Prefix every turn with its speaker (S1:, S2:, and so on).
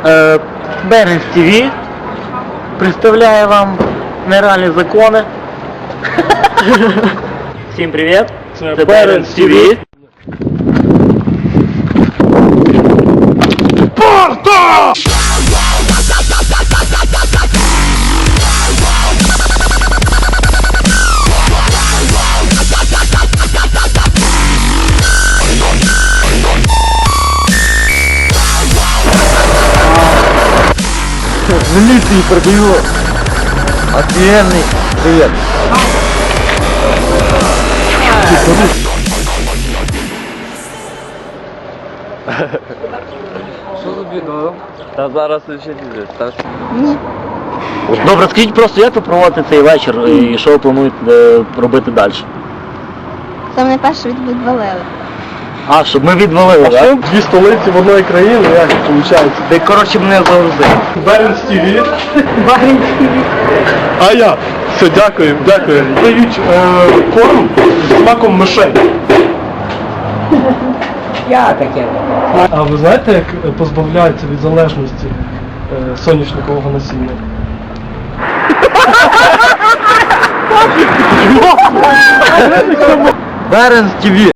S1: Беренс ТВ представляє вам нереальні закони. Всім привіт! Це Беренс ТВ. Спарта! Милиции продаю. Офигенный привет.
S2: Що за відео? Та зараз ще діде.
S3: Ні.
S1: Добре, скажіть просто, як ви проводите цей вечір і що ви плануєте робити далі?
S3: Це мене перше відвалили.
S1: А, щоб ми відвалили, так?
S4: Дві столиці в одної країни, як виходить?
S1: Ти, коротше, мене завжди.
S4: Беренс ТВ. А я. Все, дякую, дякую. Дають корм з смаком мишей.
S1: Я таке.
S4: А ви знаєте, як позбавляються від залежності соняшникового насіння?
S1: Беренс ТВ.